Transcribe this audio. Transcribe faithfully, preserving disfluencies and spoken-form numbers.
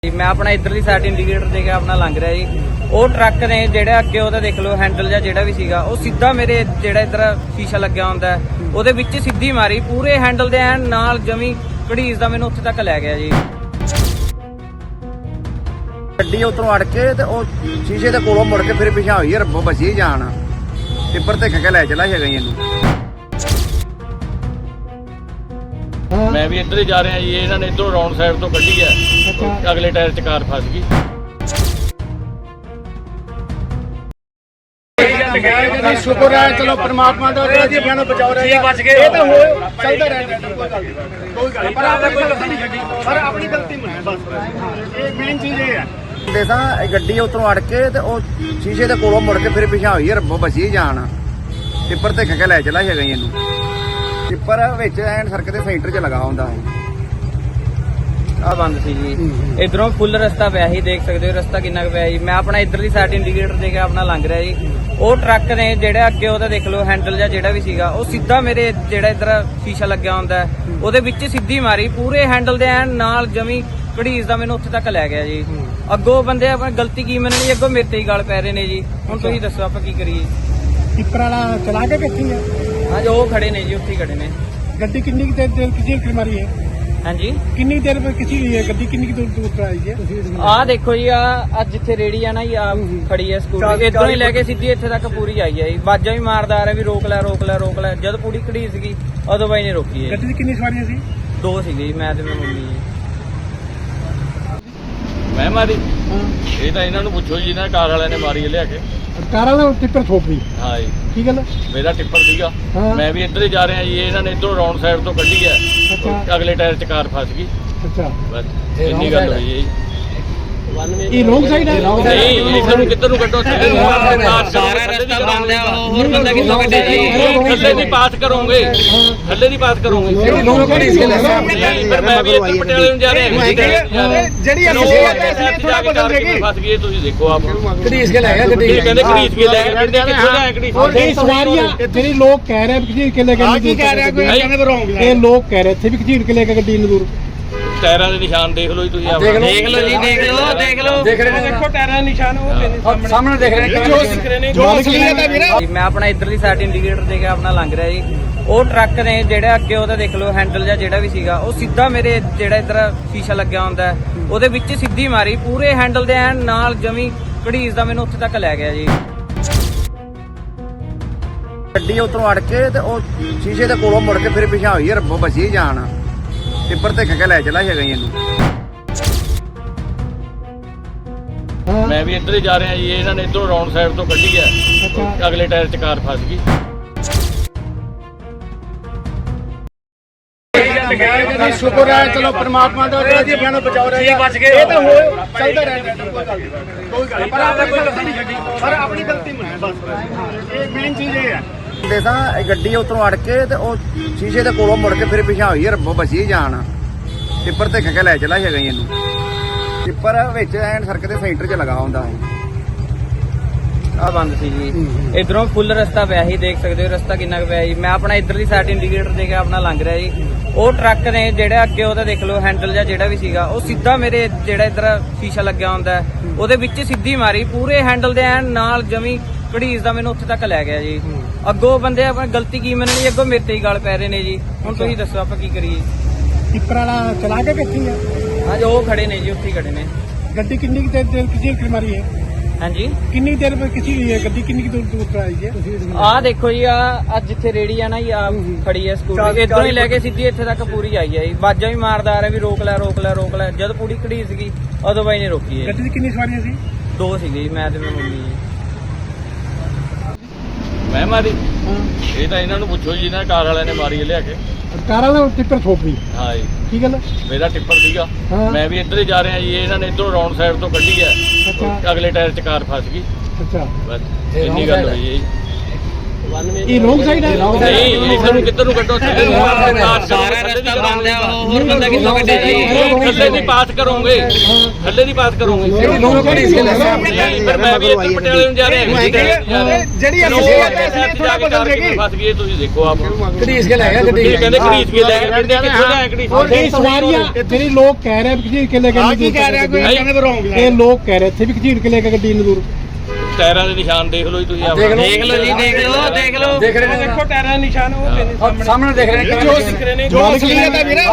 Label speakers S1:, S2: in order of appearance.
S1: मैं अपना इधरली side indicator दे के अपना लंघ रहा जी। वो ट्रक ने जेड़ा अगे ओहदा देख लो हैंडल या जेड़ा भी सीगा वो सीधा मेरे जेड़ा इधर शीशा लग्या हुंदा है ओहदे विच सीधी मारी पूरे हैंडल दे एन नाल जमी घड़ीस दा मैनूं उत्थे तक लै गया जी।
S2: गड्डी उतरों अड़ के ते ओ शीशे दे कोलों मुड़ के फिर पिछा होई रब्बो बची जान टिप्पर ते खके लै चला है गई।
S3: मैं भी इधर ही जा रहा जी। इन्होंने इधरों राउंड साइड तो कड्ढी है, अगले टायर च कार फस गई।
S2: शुक्र है चलो परमात्मा दा जीवां नूं बचाओ रहे बच गए। ये तो हो चलदा रहंदा कोई गल नहीं कोई गल पर आपने कोई गलती नहीं करी पर अपनी गलती नहीं है बस ये मेन चीज ये है। देसा गड्डी उतरों अड़ के ते ओ शीशे दे कोलों मुड़ के फिर पिछा होई रब्बो बची जान टिप्पर ते खके लै चला है गई। इनू टिप्पर विच एंड सड़क दे सेंटर च लगा हुंदा है।
S1: आ बंद सी जी। इधरों फुल रस्ता पिया ही देख सकते हो रस्ता कितना पिया जी। मैं अपना इधरली साइड इंडिकेटर दे के अपना लंघ रहा जी। वो ट्रक ने जेड़ा अगे ओहदा देख लो हैंडल या जेड़ा भी सीगा वो सीधा मेरे जेड़ा इधर शीशा लग्या हुंदा है ओहदे विच सीधी मारी पूरे हैंडल दे एन नाल जमी घड़ीस दा मैनूं उत्थे तक लै गया जी। अगों बंदे अपनी गलती की मननी अगों मेरे ते ही गल पै रहे ने जी। हुण तुसीं दस्सो आपां की करिए।
S4: टिप्पर वाला चला के कित्थे है?
S1: हाँ जो खड़े ने जी उत्थे खड़े ने।
S4: गड्डी कितनी देर देर किसी मारी है?
S1: हाँ जी
S4: कितनी देर में किसी हुई है गड्डी कितनी दूर दूर पर आई है?
S1: आ देखो जी आ जिथे रेड़ी है ना आ खड़ी है स्कूटी इधरों ही लेके सीधी इत्थे तक पूरी आई है। बाजा भी मारदा आ रहा भी रोक लै रोक लै रोक लै जद पूरी खड़ी सी उदों बाई ने रोकी है।
S4: गड्डी दी कितनी सवारियां सी?
S1: दो सी मैं ते मेरी मम्मी जी।
S3: मैं मारी ये तो इन्होंने पूछो जी ना कार वाले ने मारी लिया के
S4: कार वाला टिप्पर ठोक दी।
S3: हाँ जी
S4: की गल?
S3: मेरा टिप्पर सीगा।
S4: हाँ।
S3: मैं भी इधर ही जा रहा जी। इन्होंने इधरों राउंड साइड तो कड्ढी है,
S4: अच्छा।
S3: अगले टायर च कार फस गई।
S4: अच्छा
S3: बस इन्नी गल हुई जी।
S4: ये रॉन्ग साइड है?
S3: नहीं इधर नूं किधर नूं कड्ढो थल्ले नूं पास सारा रस्ता बंद है और बंदा किथों कड्ढे जी। थल्ले दी पास करोगे थल्ले दी पास करोगे पर मैं भी इधर पटियाले नूं जा रहा
S4: ਜਿਹੜੀ ਅਸੀਂ
S3: थोड़ा बदल देगी फस गई। ਤੁਸੀਂ ਦੇਖੋ ਆਪ
S4: घड़ीस के ले गया गड्डी
S3: ਕਹਿੰਦੇ ਖਰੀਦ ਕੇ ਲੈ ਕੇ ਕਹਿੰਦੇ ਕਿੱਥੋਂ ਲਿਆ ਖਰੀਦ
S4: ये सवारियां ਜਿਹੜੀ ਲੋਕ ਕਹਿ ਰਹੇ ਘਸੀਟ ਕੇ ਲੈ ਕੇ ਕੀ ਕਹਿ ਰਿਹਾ ਕੋਈ ਕਹਿੰਦੇ ਰੋਂਗ ਇਹ ਲੋਕ ਕਹਿ ਰਹੇ ਇੱਥੇ ਵੀ ਘਸੀਟ ਕੇ ਲੈ ਕੇ ਗੱਡੀ ਨੂੰ ਦੂਰ
S3: ਟਾਇਰਾਂ ਦੇ ਨਿਸ਼ਾਨ ਦੇਖ ਲਓ ਜੀ ਤੁਸੀਂ ਆਪ
S1: देख लो जी देख लो देख लो
S4: ਦੇਖ ਰਹੇ ਨੇ ਦੇਖੋ ਟਾਇਰਾਂ ਦੇ ਨਿਸ਼ਾਨ ਉਹ ਸਾਹਮਣੇ ਦੇਖ ਰਹੇ ਨੇ ਜੋ ਦਿਖ ਰਹੇ ਨੇ ਜੋ ਅਸਲੀਅਤ ਹੈ ਵੀਰੇ।
S1: मैं अपना इधरली साइड इंडिकेटर दे के अपना लंघ रहा जी। वो ट्रक ने जेड़ा अगे ओहदा देख लो हैंडल या जेड़ा भी सीगा वो सीधा मेरे जेड़ा इधर शीशा लग्या हुंदा है ओहदे विच सीधी मारी पूरे हैंडल दे एन नाल जमी घड़ीस दा मैनूं उत्थे तक लै गया जी।
S2: गड्डी उतरों अड़ के ते ओ शीशे दे कोलों मुड़ के फिर पिछा होई रब्बो बची जान टिप्पर ते खके लै चला है गई। इनू
S3: मैं भी इधर ही जा रहा जी। इन्होंने इधरों राउंड साइड तो कड्ढी है,
S4: अच्छा।
S3: अगले टायर च कार फस गई।
S2: शुक्र है चलो परमात्मा दा जीवां नूं बचाओ रहे बच गए। ये तो हो चलदा रहंदा कोई गल नहीं कोई गल पर आपने कोई गलती नहीं करी पर अपनी गलती नहीं है बस ये मेन चीज ये है। देसा गड्डी उतरों अड़ के ते ओ शीशे दे कोलों मुड़ के फिर पिछा होई रब्बो बची जान टिप्पर ते खके लै चला है गई। इनू टिप्पर विच एंड सड़क दे सेंटर च लगा हुंदा है।
S1: आ बंद सी जी। इधरों फुल रस्ता पिया ही देख सकते हो रस्ता कितना पिया जी। मैं अपना इधरली साइड इंडिकेटर दे के अपना लंघ रहा जी। वो ट्रक ने जेड़ा अगे ओहदा देख लो हैंडल या जेड़ा भी सीगा वो सीधा मेरे जेड़ा इधर शीशा लग्या हुंदा है ओहदे विच सीधी मारी पूरे हैंडल दे एन नाल जमी घड़ीस दा मैनूं उत्थे तक लै गया जी। अगों बंदे अपनी गलती की मननी अगों मेरे ते ही गल पै रहे ने जी। हुण तुसीं दस्सो आपां की करिए।
S4: टिप्पर वाला चला के कित्थे है?
S1: हाँ जो खड़े ने जी उत्थे खड़े ने।
S4: ਗੱਡੀ ਕਿੰਨੀ ਦੇਰ ਦੇਰ ਕਿसी ਮਾਰੀ ਹੈ?
S1: हाँ जी
S4: ਕਿੰਨੀ ਦੇਰ में किसी हुई है ਗੱਡੀ ਕਿੰਨੀ दूर दूर पर आई है?
S1: आ देखो जी आ जिथे रेड़ी है ना आ खड़ी है स्कूटी इधरों ही लेके सीधी इत्थे तक पूरी आई है। बाजा भी मारदा आ रहा भी रोक लै रोक लै रोक लै जद पूरी खड़ी सी उदों बाई ने रोकी है।
S4: ਗੱਡੀ ਦੀ ਕਿੰਨੀ ਸਵਾਰੀਆਂ ਸੀ?
S1: दो सी मैं ते मेरी मम्मी जी।
S3: मैं मारी ये तो इन्होंने पूछो जी ना कार वाले ने मारी लिया के
S4: ਕਾਰ ਵਾਲਾ ਟਿੱਪਰ ਠੋਕ दी।
S3: हाँ जी
S4: की गल?
S3: मेरा टिप्पर सीगा।
S4: हाँ।
S3: मैं भी इधर ही जा रहा जी। इन्होंने इधरों राउंड साइड तो कड्ढी है,
S4: अच्छा।
S3: अगले टायर च कार फस गई।
S4: अच्छा
S3: बस इन्नी गल हुई जी।
S4: ਇਹ ਰੋਂਗ ਸਾਈਡ ਹੈ
S3: ਨਹੀਂ ਇਧਰ ਨੂੰ ਕਿੱਧਰ ਨੂੰ ਕੱਢੋ ਥੱਲੇ ਨੂੰ ਪਾਸ
S1: ਸਾਰਾ ਰਸਤਾ ਬੰਦ ਹੈ ਉਹ ਹੋਰ ਬੰਦਾ ਕਿੱਥੋਂ ਕੱਢੇ ਜੀ
S3: ਥੱਲੇ ਦੀ ਪਾਸ ਕਰੋਗੇ ਥੱਲੇ ਦੀ ਪਾਸ ਕਰੋਗੇ ਪਰ ਮੈਂ ਵੀ ਇੱਧਰ ਪਟਿਆਲੇ ਨੂੰ ਜਾ ਰਿਹਾ
S2: ਜਿਹੜੀ ਅਸੀਂ ਥੋੜਾ ਬਦਲ ਦੇਗੀ
S3: ਫਸ ਗਏ ਤੁਸੀਂ ਦੇਖੋ ਆਪ
S2: ਘੜੀਸ ਕੇ ਲੈ ਗਿਆ ਗੱਡੀ
S3: ਇਹ ਕਹਿੰਦੇ ਖਰੀਦ ਕੇ ਲੈ ਗਏ ਕਿੱਥੇ ਲੈ ਗਏ
S4: ਇਹ ਸਵਾਰੀਆਂ ਜਿਹੜੀ ਲੋਕ ਕਹਿ ਰਹੇ ਖਜੀਰ ਕੇ ਲੈ ਕੇ
S2: ਆ ਕੀ ਕਹਿ ਰਿਹਾ ਕੋਈ ਕਹਿੰਦੇ ਰੋਂਗ
S4: ਇਹ ਲੋਕ ਕਹਿ ਰਹੇ ਇੱਥੇ ਵੀ ਖਜੀਰ ਕੇ ਲੈ ਕੇ ਗੱਡੀ ਨੂੰ ਦੂਰ
S3: ਟਾਇਰਾਂ ਦੇ ਨਿਸ਼ਾਨ ਦੇਖ ਲਓ ਜੀ ਤੁਸੀਂ ਆਪ
S1: ਦੇਖ ਲਓ ਜੀ ਦੇਖ ਲਓ ਦੇਖ ਲਓ
S2: ਦੇਖ ਰਹੇ ਨੇ ਦੇਖੋ ਟਾਇਰਾਂ ਦੇ ਨਿਸ਼ਾਨ ਉਹ ਸਾਹਮਣੇ ਦੇਖ ਰਹੇ ਨੇ ਜੋ ਅਸਲੀਅਤ ਹੈ ਵੀਰੇ